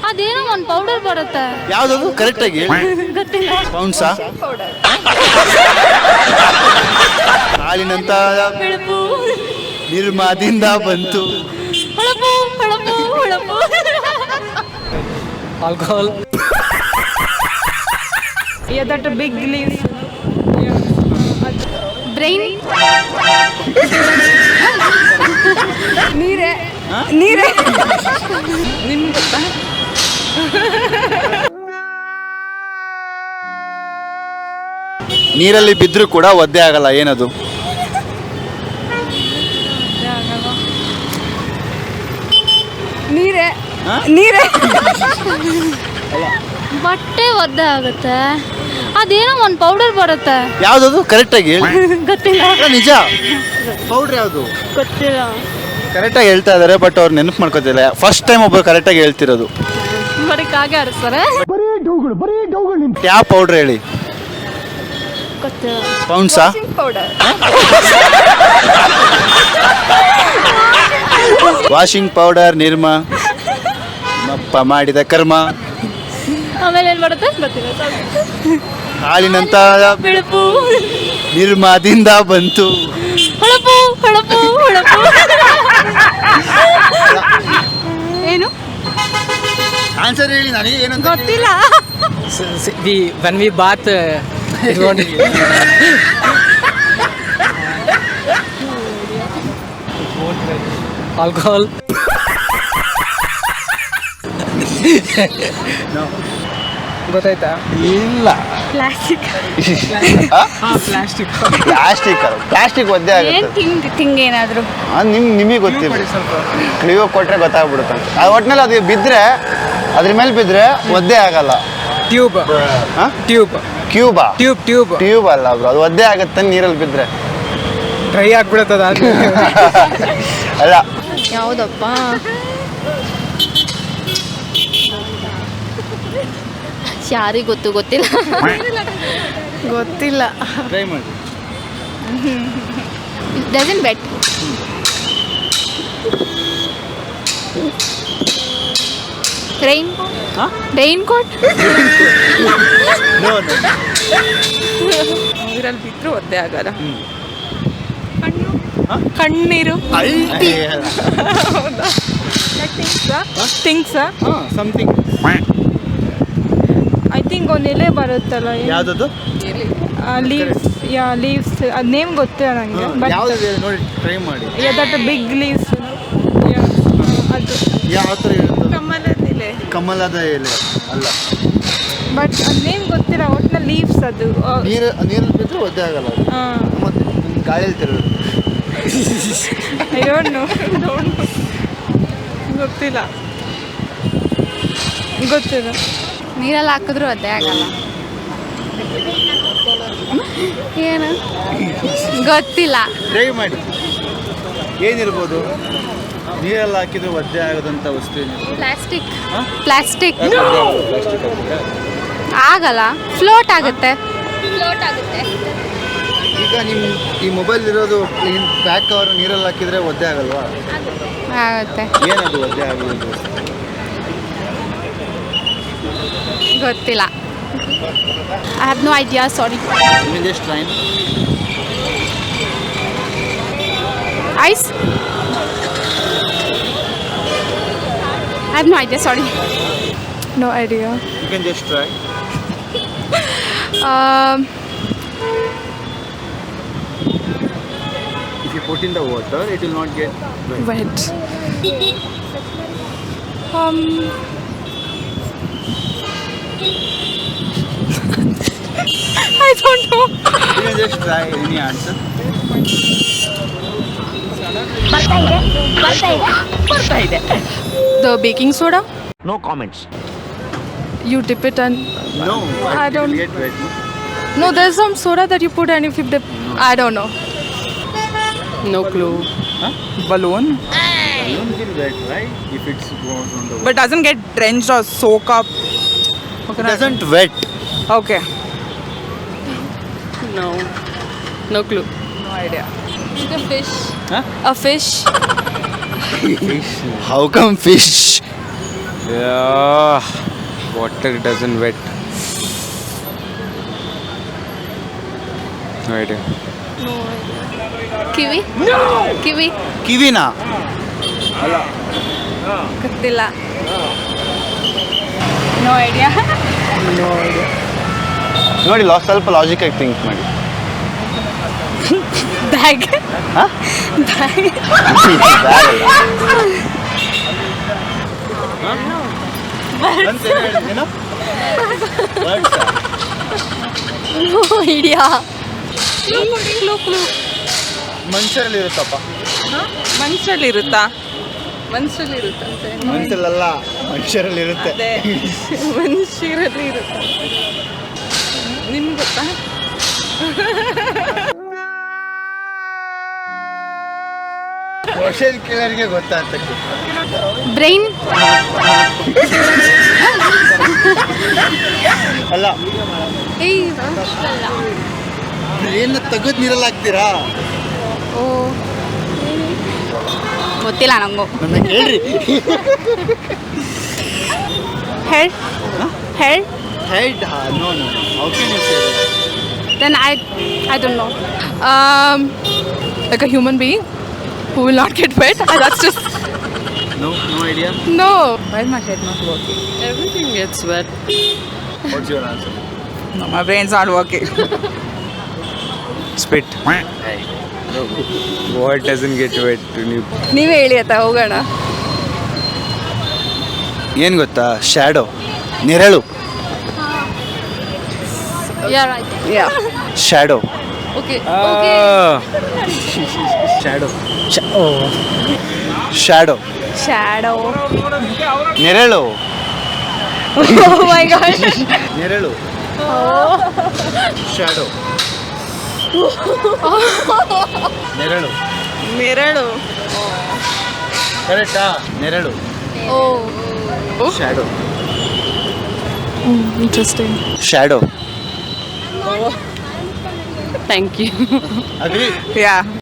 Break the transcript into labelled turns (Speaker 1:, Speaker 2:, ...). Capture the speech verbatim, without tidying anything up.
Speaker 1: ಅದೇನೋ ಒಂದು ಪೌಡರ್ ಬರುತ್ತೆ.
Speaker 2: ಯಾವ್ದದು ಕರೆಕ್ಟ್ ಆಗಿ
Speaker 1: ಗೊತ್ತಿಲ್ಲ.
Speaker 2: ಪೌಂಡ್ಸಾ? ಹಾಲಿನಂತ
Speaker 1: ಹೊಳಪು
Speaker 2: ನಿರ್ಮಾದಿಂದ ಬಂತು.
Speaker 1: ಹೊಳಪು ಹೊಳಪು ಹೊಳಪು.
Speaker 3: Alcohol.
Speaker 4: Yeah, that a big leaf.
Speaker 1: Brain.
Speaker 4: ನೀರೇ ನೀರೇ ನಿಮ್ಗೆ ಗೊತ್ತಾ?
Speaker 2: ನೀರಲ್ಲಿ ಬಿದ್ದರೂ ಕೂಡ ಒದ್ದೆ ಆಗಲ್ಲ, ಏನದು?
Speaker 4: ನೀರೇ ನೀರೇ
Speaker 1: ಬಟ್ಟೆ ಒದ್ದೆ ಆಗುತ್ತೆ. ಅದೇನೋ ಒಂದು ಪೌಡರ್ ಬರುತ್ತೆ.
Speaker 2: ಯಾವ್ದದು ಕರೆಕ್ಟ್ ಆಗಿ
Speaker 1: ಗೊತ್ತಿಲ್ಲ.
Speaker 2: ನಿಜ. ಪೌಡ್ರ್ ಯಾವುದು?
Speaker 1: ಗೊತ್ತಿಲ್ಲ.
Speaker 2: ಕರೆಕ್ಟಾಗಿ ಹೇಳ್ತಾ ಇದಾರೆ, ಬಟ್ ಅವ್ರು ನೆನಪು ಮಾಡ್ಕೋತಿಲ್ಲ. ಫಸ್ಟ್ ಟೈಮ್ ಒಬ್ಬರು ಕರೆಕ್ಟಾಗಿ ಹೇಳ್ತಿರೋದು.
Speaker 1: ಬರೀ ಕಾಗೆ ಆಡಿಸ್ತಾರೆ.
Speaker 2: ಯಾವ ಪೌಡ್ರ್ ಹೇಳಿ?
Speaker 1: ಗೊತ್ತಿಲ್ಲ.
Speaker 2: ಪೌಂಡ್ಸಾ?
Speaker 4: ಪೌಡರ್.
Speaker 2: Washing powder. ನಿರ್ಮ ಮಪ್ಪ ಮಾಡಿದ ಕರ್ಮ.
Speaker 1: ಆಮೇಲೆ ಏನು ಬರುತ್ತೆ ಗೊತ್ತಿಲ್ಲ.
Speaker 2: ಹಾಲಿನಂತ
Speaker 1: ಬೆಳಪು
Speaker 2: ನಿರ್ಮಾದಿಂದ ಬಂತು.
Speaker 1: ಹೊಳಪು ಹೊಳಪು ಹೊಳಪು. ಏನು
Speaker 2: ಆನ್ಸರ್ ಹೇಳಿ, ನನಗೆ ಏನಂತ
Speaker 1: ಗೊತ್ತಿಲ್ಲ.
Speaker 3: ವಿ when we bath it won't. Alcohol. ಗೊತ್ತಾಯ್ತಾ?
Speaker 2: ಇಲ್ಲ.
Speaker 1: ಪ್ಲಾಸ್ಟಿಕ್.
Speaker 3: ಪ್ಲಾಸ್ಟಿಕ್.
Speaker 2: ಪ್ಲಾಸ್ಟಿಕ್ ಪ್ಲಾಸ್ಟಿಕ್ ಒದ್ದೆ
Speaker 1: ಏನು
Speaker 2: ಆಗುತ್ತೆ.
Speaker 1: ತಿಂಗ್ ತಿಂಗ್ ಏನಾದರೂ
Speaker 2: ನಿಮ್ ನಿಮಗೆ ಗೊತ್ತಿಲ್ಲ.
Speaker 3: ಸ್ವಲ್ಪ
Speaker 2: ಕ್ಲಿಯೋ ಕೊಟ್ರೆ ಗೊತ್ತಾಗ್ಬಿಡುತ್ತೆ. ಅದು ಒಟ್ಟಿನಲ್ಲಿ ಅದು ಬಿದ್ದರೆ, ಅದ್ರ ಮೇಲೆ ಬಿದ್ದರೆ ಒದ್ದೆ ಆಗಲ್ಲ.
Speaker 3: ಟ್ಯೂಬ್. ಟ್ಯೂಬ್
Speaker 2: ಕ್ಯೂಬಾ?
Speaker 3: ಟ್ಯೂಬ್ ಟ್ಯೂಬ್
Speaker 2: ಟ್ಯೂಬ್ ಅಲ್ಲ ಬ್ರೋ, ಅದು ಒದ್ದೆ ಆಗುತ್ತೆ ನೀರಲ್ಲಿ ಬಿದ್ದರೆ.
Speaker 3: ಡ್ರೈ ಆಗ್ಬಿಡುತ್ತದ.
Speaker 2: ಅಲ್ಲ.
Speaker 1: ಯಾವುದಪ್ಪ? ಯಾರಿಗೆ ಗೊತ್ತು? ಗೊತ್ತಿಲ್ಲ.
Speaker 4: ಗೊತ್ತಿಲ್ಲ.
Speaker 2: ಟ್ರೈ ಮಾಡಿ.
Speaker 1: Doesn't wet. Rain rain coat.
Speaker 4: ನೀರಲ್ಲಿ ಬಿದ್ದರೂ ಒದ್ದೆ ಆಗಲ್ಲ. ಕಣ್ಣೀರು. ಥಿಂಗ್ಸಾ?
Speaker 2: ಸಮಥಿಂಗ್.
Speaker 4: ಐ ಥಿಂಕ್ ಒಂದು ಎಲೆ ಬರುತ್ತಲ್ಲ.
Speaker 2: ಯಾವ್ದದು?
Speaker 4: ಲೀವ್ಸ್. Yeah leaves. ಅದು ನೇಮ್ ಗೊತ್ತಿಲ್ಲ ನನಗೆ. ಬಟ್
Speaker 2: ಯಾವ್ದು ನೋಡಿ ಟ್ರೈ ಮಾಡಿ.
Speaker 4: Yeah that big leaves. ಅದು
Speaker 2: ಯಾವ ಥರ ಇರುತ್ತೆ?
Speaker 4: ಕಮಲದ ಎಲೆ.
Speaker 2: ಕಮಲದ ಎಲೆ ಅಲ್ಲ.
Speaker 4: ಬಟ್ ಅದು ನೇಮ್ ಗೊತ್ತಿಲ್ಲ. ಒಟ್ಟಿನ ಲೀವ್ಸ್ ಅದು.
Speaker 2: ನೀರು ನೀರಲ್ಲಿ ಬಿದ್ದರೆ ಒದ್ದೆ ಆಗಲ್ಲ ಅದು.
Speaker 4: ಹಾಂ.
Speaker 2: ಮತ್ತೆ ಗಾಳಿಯಲ್ಲಿ ತಿರುಗುತ್ತೆ.
Speaker 4: I don't no. ಗೊತ್ತಿಲ್ಲ ಗೊತ್ತಿಲ್ಲ.
Speaker 1: ನೀರಲ್ಲಿ ಹಾಕಿದ್ರು ಅದೇ ಆಗಲ್ಲ. ಏನು ಗೊತ್ತಿಲ್ಲ.
Speaker 2: ಟ್ರೈ ಮಾಡಿ. ಏನಿರ್ಬೋದು? ನೀರಲ್ಲಿ ಹಾಕಿದ್ರೆ ಒದ್ದೆ ಆಗೋದಂಥ ವಸ್ತು ಏನಿರ್ಬೋದು?
Speaker 1: ಪ್ಲಾಸ್ಟಿಕ್.
Speaker 2: ಹಾಂ?
Speaker 1: ಪ್ಲಾಸ್ಟಿಕ್
Speaker 2: ಪ್ಲಾಸ್ಟಿಕ್
Speaker 1: ಆಗಲ್ಲ. ಫ್ಲೋಟ್ ಆಗುತ್ತೆ. ಫ್ಲೋಟ್ ಆಗುತ್ತೆ.
Speaker 2: ಈಗ ನಿಮ್ಮ ಈ ಮೊಬೈಲ್ ಇರೋದು ಬ್ಯಾಕ್ ಕವರ್ ನೀರಲ್ಲಿ ಹಾಕಿದ್ರೆ ಒದ್ದೆ ಆಗಲ್ವಾ?
Speaker 1: ಆಗುತ್ತೆ.
Speaker 2: ಏನದು ಒದ್ದೆ ಆಗೋದು?
Speaker 1: ಗೊತ್ತಿಲ್ಲ. I have no idea, sorry.
Speaker 2: Just train.
Speaker 1: Ice. I have no idea, sorry.
Speaker 4: No idea.
Speaker 2: You can just try. If you put in the water, it will not get wet.
Speaker 4: Wet. Um. I don't know.
Speaker 2: You can just try any answer.
Speaker 4: The baking soda.
Speaker 5: No comments.
Speaker 4: You dip it and
Speaker 2: No,
Speaker 4: I
Speaker 2: it
Speaker 4: don't-
Speaker 2: will get wet. No?
Speaker 4: no, there's some soda that you put and if you dip, I don't know. No clue.
Speaker 2: Huh?
Speaker 6: Balloon,
Speaker 2: Balloon will wet, right? If it goes on the water.
Speaker 6: but doesn't get drenched or soak up.
Speaker 2: It doesn't wet.
Speaker 6: Okay.
Speaker 4: No. No clue.
Speaker 6: No idea.
Speaker 4: It's a fish.
Speaker 2: Huh?
Speaker 4: A fish.
Speaker 2: Fish. How come fish?
Speaker 5: Yeah, water doesn't wet. No idea.
Speaker 1: ಕಿವಿ ಕಿವಿ
Speaker 2: ಕಿವಿನಾ?
Speaker 4: ಗೊತ್ತಿಲ್ಲ.
Speaker 6: No idea.
Speaker 2: ನೋಡಿ ಲಾ ಸ್ವಲ್ಪ ಲಾಜಿಕಾಗಿ think ಮಾಡಿ.
Speaker 4: Bag.
Speaker 2: ಹಾಂ
Speaker 1: ಐಡಿಯಾ.
Speaker 2: ಮನುಷ್ಯರಲ್ಲಿ ಇರುತ್ತಪ್ಪ.
Speaker 6: ಮನುಷ್ಯರಲ್ಲಿ ಇರುತ್ತಾ? ಮನುಷ್ಯರಲ್ಲಿ ಇರುತ್ತಂತೆ.
Speaker 2: ಮನುಷ್ಯರಲ್ಲ, ಮನುಷ್ಯರಲ್ಲಿ ಇರುತ್ತೆ.
Speaker 6: ಅದೇ ಮನುಷ್ಯರಲ್ಲಿ ಇರುತ್ತೆ. ನಿಮ್ಗೆ ಗೊತ್ತಾ?
Speaker 2: ಕ್ವಶನ್ ಕೇಳೋರಿಗೆ ಗೊತ್ತಾಗ್ತಕ್ಕೆ.
Speaker 1: ಬ್ರೈನ್
Speaker 2: ಅಲ್ಲ,
Speaker 1: ಏಯ್
Speaker 2: ಏನು ತೆಗೆದು ನೀರಲ್ಲಿ ಹಾಕ್ತೀರಾ?
Speaker 1: ಓ ಗೊತ್ತಿಲ್ಲ ನಂಗೂ.
Speaker 2: ನನಗೆ ಹೇಳ್ರಿ.
Speaker 1: Head head
Speaker 2: head no no how can you say that?
Speaker 1: Then I I don't know.
Speaker 4: Um, like a human being who will not get wet. And that's just
Speaker 2: no no idea.
Speaker 4: no.
Speaker 6: Why is my head not working?
Speaker 3: Everything gets wet.
Speaker 2: What's your answer?
Speaker 6: No, my brain's not working.
Speaker 5: Spit. What doesn't get wet?
Speaker 4: ನೀವೇ ಹೇಳಿ ಆಯ್ತಾ, ಹೋಗೋಣ.
Speaker 2: ಏನು ಗೊತ್ತಾ? Shadow, ನೆರಳು.
Speaker 1: You are right.
Speaker 4: Yeah.
Speaker 2: Shadow
Speaker 1: okay
Speaker 5: Ah.
Speaker 2: Shadow
Speaker 3: Oh.
Speaker 2: Shadow
Speaker 4: Shadow.
Speaker 2: ನೆರಳು
Speaker 4: Oh my god.
Speaker 2: ನೆರಳು shadow ನೆರಳು
Speaker 6: ನೆರಳು.
Speaker 2: ಕರೆಕ್ಟಾ? ನೆರಳು
Speaker 1: oh
Speaker 2: shadow
Speaker 4: Interesting.
Speaker 2: Shadow.
Speaker 3: Thank you.
Speaker 2: Agree?
Speaker 6: Yeah.